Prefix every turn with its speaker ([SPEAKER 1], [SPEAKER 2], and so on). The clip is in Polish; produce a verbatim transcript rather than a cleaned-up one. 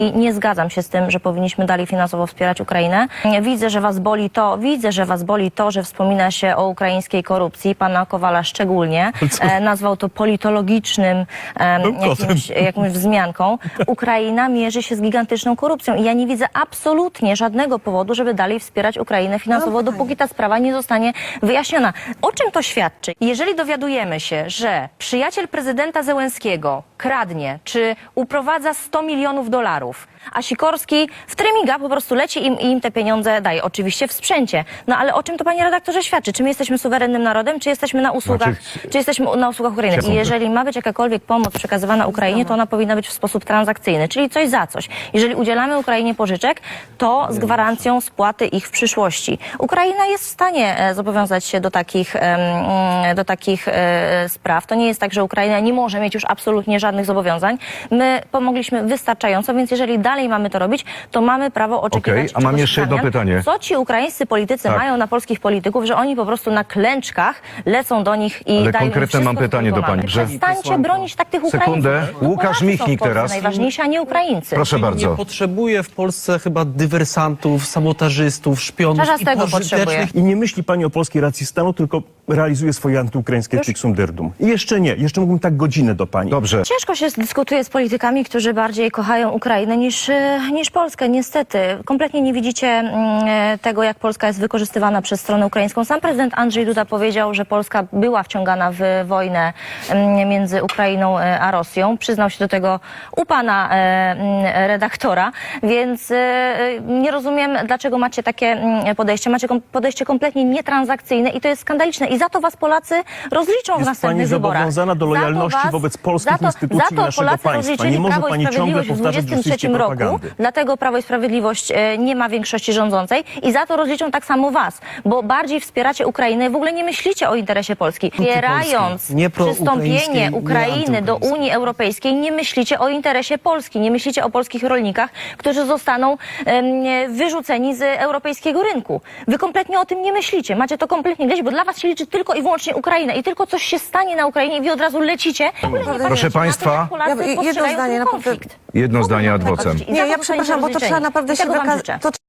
[SPEAKER 1] I nie zgadzam się z tym, że powinniśmy dalej finansowo wspierać Ukrainę. Widzę, że was boli to, widzę, że was boli to, że wspomina się o ukraińskiej korupcji. Pana Kowala szczególnie e, nazwał to politologicznym e, jakimś, jakąś wzmianką. Ukraina mierzy się z gigantyczną korupcją i ja nie widzę absolutnie żadnego powodu, żeby dalej wspierać Ukrainę finansowo, dopóki ta sprawa nie zostanie wyjaśniona. O czym to świadczy? Jeżeli dowiadujemy się, że przyjaciel prezydenta Zełenskiego kradnie, czy uprowadza sto milionów dolarów, a Sikorski w trymiga po prostu leci im, i im te pieniądze daje. Oczywiście w sprzęcie. No ale o czym to, panie redaktorze, świadczy? Czy my jesteśmy suwerennym narodem, czy jesteśmy na usługach, znaczy, czy jesteśmy na usługach Ukrainy? I jeżeli ma być jakakolwiek pomoc przekazywana Ukrainie, to ona powinna być w sposób transakcyjny, czyli coś za coś. Jeżeli udzielamy Ukrainie pożyczek, to z gwarancją spłaty ich w przyszłości. Ukraina jest w stanie e, zobowiązać się do takich, e, do takich e, spraw. To nie jest tak, że Ukraina nie może mieć już absolutnie żadnych zobowiązań. My pomogliśmy wystarczająco, więc jeżeli dalej mamy to robić, to mamy prawo oczekiwać.
[SPEAKER 2] Okay, a mam jeszcze jedno pytanie.
[SPEAKER 1] Co ci ukraińscy politycy tak. mają na polskich polityków, że oni po prostu na klęczkach lecą do nich i
[SPEAKER 2] Ale
[SPEAKER 1] dają im
[SPEAKER 2] konkretne mam pytanie do pani.
[SPEAKER 1] Że... Przestańcie bronić tak tych Ukraińców.
[SPEAKER 2] Sekundę. Łukasz Michnik teraz.
[SPEAKER 1] Najważniejsi, a nie Ukraińcy.
[SPEAKER 2] Proszę bardzo.
[SPEAKER 3] Nie potrzebuje w Polsce chyba dywersantów, sabotażystów, szpionów
[SPEAKER 1] Czas
[SPEAKER 3] i
[SPEAKER 1] tego potrzebuje.
[SPEAKER 4] I nie myśli pani o polskiej racji stanu, tylko realizuje swoje antyukraińskie fixum dyrdum. I jeszcze nie. Jeszcze mógłbym tak godzinę do pani.
[SPEAKER 2] Dobrze.
[SPEAKER 1] Ciężko się dyskutuje z politykami, którzy bardziej kochają Ukrainę niż, niż Polskę. Niestety. Kompletnie nie widzicie mm, tego, jak Polska jest wykorzystywana przez stronę ukraińską. Sam prezydent Andrzej Duda powiedział, że Polska była wciągana w wojnę mm, między Ukrainą a Rosją. Przyznał się do tego u pana e, redaktora, więc e, nie rozumiem, dlaczego macie takie podejście. Macie kom podejście kompletnie nietransakcyjne i to jest skandaliczne. I za to was Polacy rozliczą
[SPEAKER 4] jest
[SPEAKER 1] w następnych wyborach.
[SPEAKER 4] Jest pani zobowiązana do lojalności
[SPEAKER 1] was,
[SPEAKER 4] wobec polskich
[SPEAKER 1] za to,
[SPEAKER 4] instytucji
[SPEAKER 1] za to
[SPEAKER 4] i naszego
[SPEAKER 1] Polacy
[SPEAKER 4] państwa. Nie może
[SPEAKER 1] Prawo i
[SPEAKER 4] pani ciągle
[SPEAKER 1] Sprawiedliwość w
[SPEAKER 4] powtarzać
[SPEAKER 1] dwudziestym trzecim roku,
[SPEAKER 4] propagandy.
[SPEAKER 1] dlatego Prawo i Sprawiedliwość e, nie ma większości rządzącej i za to rozliczą tak samo was, bo bardziej wspieracie Ukrainę, w ogóle nie myślicie o interesie Polski. Wspierając
[SPEAKER 3] nie
[SPEAKER 1] przystąpienie Ukrainy
[SPEAKER 3] nie
[SPEAKER 1] do Unii Europejskiej, nie myślicie o interesie Polski, nie myślicie o polskich rolnikach, którzy zostaną e, wyrzuceni z europejskiego rynku. Wy kompletnie o tym nie myślicie, macie to kompletnie gdzieś, bo dla was się liczy tylko i wyłącznie Ukraina i tylko coś się stanie na Ukrainie i wy od razu lecicie.
[SPEAKER 2] Proszę państwa,
[SPEAKER 5] Ja, jedno zdanie, naprawdę.
[SPEAKER 2] jedno zdanie ad vocem.
[SPEAKER 5] Nie, ja przepraszam, bo to trzeba naprawdę się wykazać.